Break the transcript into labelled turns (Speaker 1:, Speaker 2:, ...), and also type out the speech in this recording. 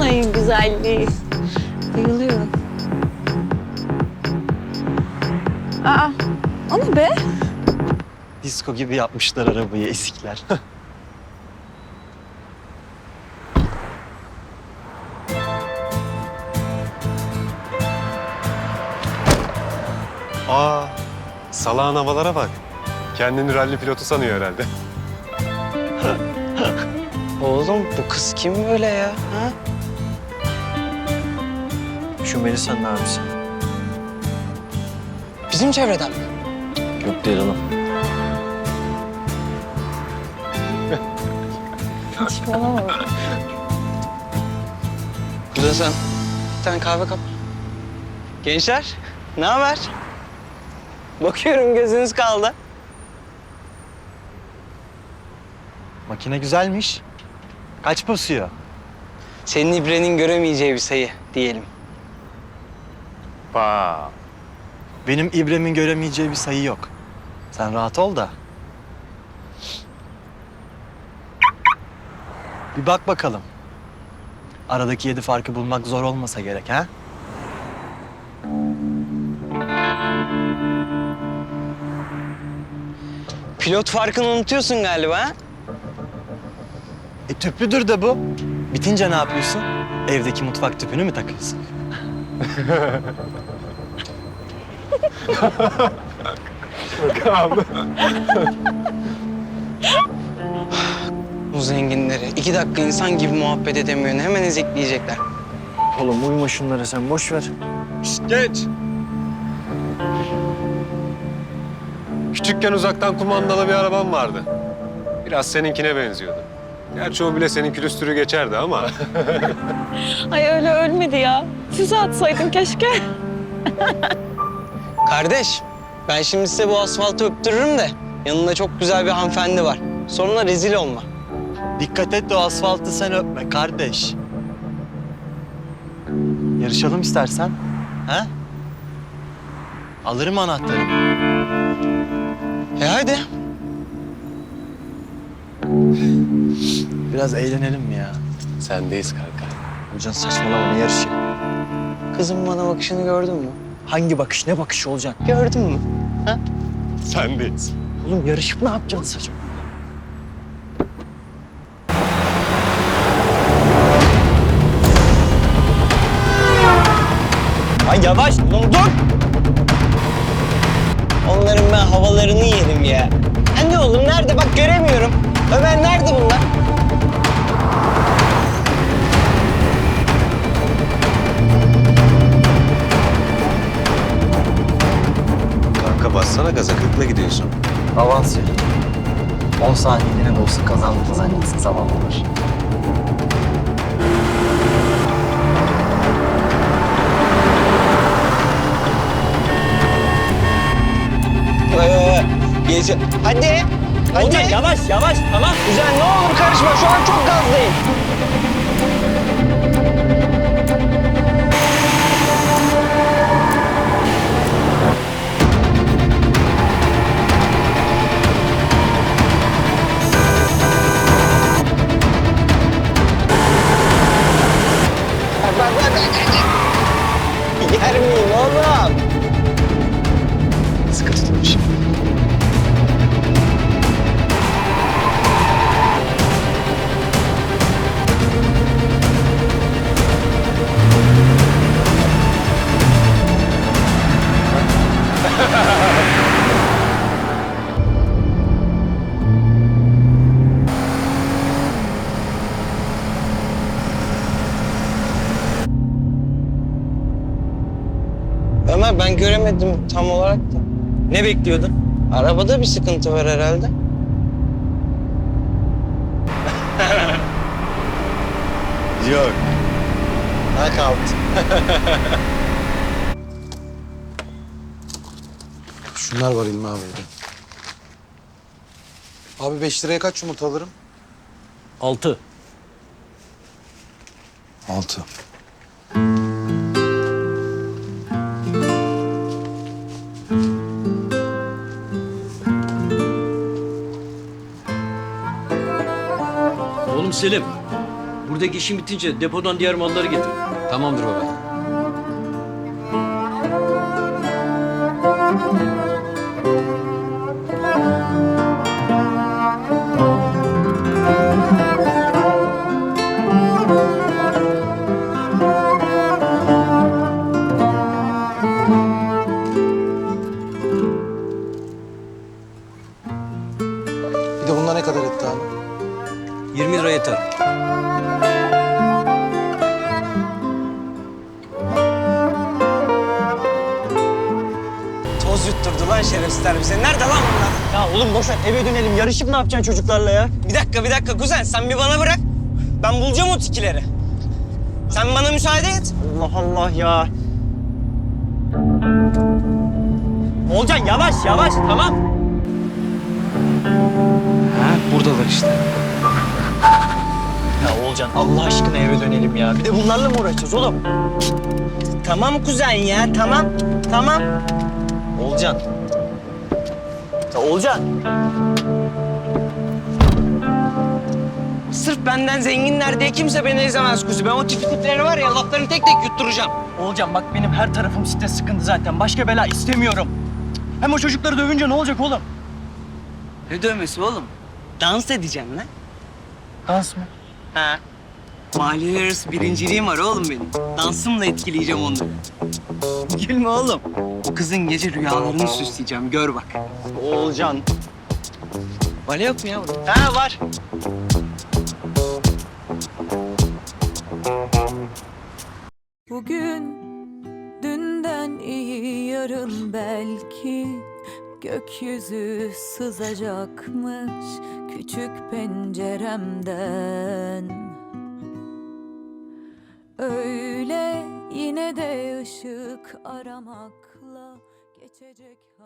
Speaker 1: Ay güzelliği. Bayılıyorum. Aa, o ne be?
Speaker 2: Disko gibi yapmışlar arabayı esikler.
Speaker 3: Aa, salağın havalara bak. Kendini ralli pilotu sanıyor herhalde.
Speaker 4: Oğlum bu kız kim böyle ya? Ha?
Speaker 2: Şu Melisa'nın abisi.
Speaker 4: Bizim çevreden mi?
Speaker 2: Yok değil oğlum.
Speaker 1: Saçmalama.
Speaker 4: Burada sen bir tane kahve kap. Gençler, ne haber? Bakıyorum gözünüz kaldı.
Speaker 2: Makine güzelmiş. Kaç basıyor?
Speaker 4: Senin İbre'nin göremeyeceği bir sayı diyelim.
Speaker 3: Pa.
Speaker 2: Benim İbrem'in göremeyeceği bir sayı yok. Sen rahat ol da. Bir bak bakalım. Aradaki 7 farkı bulmak zor olmasa gerek ha?
Speaker 4: Pilot farkını unutuyorsun galiba ha?
Speaker 2: Tüplüdür de bu. Bitince ne yapıyorsun? Evdeki mutfak tüpünü mü takıyorsun?
Speaker 4: Bu zenginleri 2 dakika insan gibi muhabbet edemiyor. Hemen ezikleyecekler.
Speaker 2: Oğlum uyuma şunlara sen boş ver.
Speaker 3: Geç. Küçükken uzaktan kumandalı bir arabam vardı. Biraz seninkine benziyordu. Gerçi o bile senin külüstürü geçerdi ama.
Speaker 1: Ay öyle ölmedi ya. Füze atsaydın keşke.
Speaker 4: Kardeş, ben şimdi size bu asfaltı öptürürüm de yanında çok güzel bir hanımefendi var. Sonra rezil olma.
Speaker 2: Dikkat et de o asfaltı sen öpme kardeş. Yarışalım istersen. Ha? Alırım anahtarı.
Speaker 4: Hadi.
Speaker 2: Biraz eğlenelim mi ya?
Speaker 3: Sendeyiz kanka.
Speaker 2: Hocam saçmalama ne yarışı?
Speaker 4: Kızım bana bakışını gördün mü?
Speaker 2: Hangi bakış ne bakışı olacak?
Speaker 4: Gördün mü?
Speaker 3: Sendeyiz.
Speaker 2: Oğlum yarışıp ne yapacaksın saçma?
Speaker 4: Ay yavaş, dur! Onların ben havalarını yerim ya. Anne oğlum nerede? Bak göremiyorum. Ömer nerede bunlar?
Speaker 3: Kanka bassana gaza, 40'la gidiyorsun.
Speaker 2: Avans vereyim. 10 saniyeliğine de olsa kazandınız annesi zavallılar.
Speaker 4: Geçin. Hadi. Hadi.
Speaker 2: Olacak yavaş yavaş tamam.
Speaker 4: Güzel ne olur karışma. Şu an çok gazdayım. Yer miyim oğlum?
Speaker 2: Sıkı tutmuş.
Speaker 4: Ömer ben göremedim tam olarak da.
Speaker 2: Ne bekliyordun?
Speaker 4: Arabada bir sıkıntı var herhalde.
Speaker 2: Yok. Knockout.
Speaker 5: Şunlar var İlmi abi'de. Abi 5 liraya kaç yumurta alırım?
Speaker 6: 6.
Speaker 5: 6.
Speaker 6: Oğlum Selim, bu Buradaki işin bitince depodan diğer malları getir.
Speaker 5: Tamamdır baba. Bir de bunlar ne kadar etti abi?
Speaker 6: 20 lira yeter.
Speaker 4: Toz yutturdu lan şerefsizler bize. Nerede lan bunlar? Ya oğlum boş ver, eve dönelim. Yarışıp ne yapacaksın çocuklarla ya? Bir dakika kuzen. Sen bir bana bırak. Ben bulacağım o tikileri. Sen bana müsaade et. Allah Allah ya. Olcan yavaş tamam. Ha buradalar işte. Ya Olcan Allah aşkına eve dönelim ya. Bir de bunlarla mı uğraşacağız oğlum? Tamam kuzen ya tamam. Olcan. Ya Olcan. Sırf benden zenginler diye kimse beni ezemez kuzu. Ben o tipleri var ya laflarını tek tek yutturacağım.
Speaker 7: Olcan bak benim her tarafım site sıkıntı zaten. Başka bela istemiyorum. Hem o çocukları dövünce ne olacak oğlum?
Speaker 4: Ne dövmesi oğlum? Dans edeceğim lan.
Speaker 7: Dans mı?
Speaker 4: Ha. Mahalleler arası birinciliğim var oğlum benim. Dansımla etkileyeceğim onları. Gülme oğlum. O kızın gece rüyalarını süsleyeceğim. Gör bak. Oğulcan. Bale yok mu ya burada? Ha var.
Speaker 8: Bugün dünden iyi yarın belki gökyüzü sızacakmış küçük penceremden. Öyle yine de ışık aramakla geçecek.